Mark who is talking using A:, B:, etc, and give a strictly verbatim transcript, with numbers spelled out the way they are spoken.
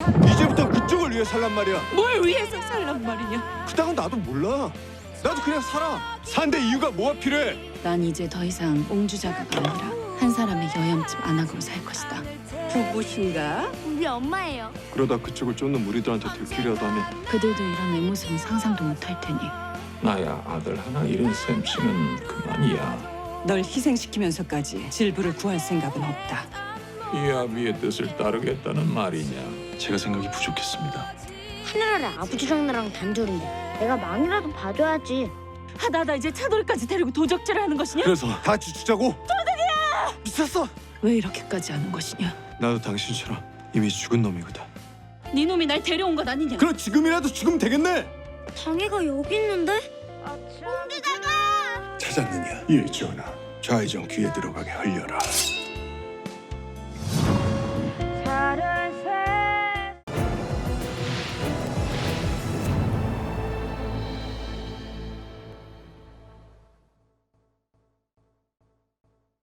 A: 이제부터 그쪽을 위해 살란 말이야.
B: 뭘 위해서 살란 말이냐?
A: 그딴 건 나도 몰라. 나도 그냥 살아. 산데 이유가 뭐가 필요해?
B: 난 이제 더 이상 옹주자가가 아니라 한 사람의 여염집 안악으로 살 것이다.
C: 부부신가?
D: 우리 엄마예요.
A: 그러다 그쪽을 쫓는 우리들한테 들키려도 하면
B: 그들도 이런 내 모습은 상상도 못할 테니.
E: 나야 아들 하나 잃은 셈치면 그만이야.
C: 널 희생시키면서까지 질부를 구할 생각은 없다.
E: 이 아비의 뜻을 따르겠다는 말이냐?
A: 제가 생각이 부족했습니다.
D: 하늘아래 아버지랑 나랑 단둘인데 내가 망이라도 봐줘야지.
B: 하다하다 이제 차돌까지 데리고 도적질을 하는 것이냐?
A: 그래서 같이 죽자고? 도둑이야! 미쳤어!
B: 왜 이렇게까지 하는 것이냐?
A: 나도 당신처럼 이미 죽은 놈이거든.
B: 네 놈이 날 데려온 것 아니냐?
A: 그럼 지금이라도 죽으면 되겠네.
D: 당이가 여기 있는데? 옹주자가!
A: 찾았느냐? 예, 전하. 좌회전 귀에 들어가게 흘려라.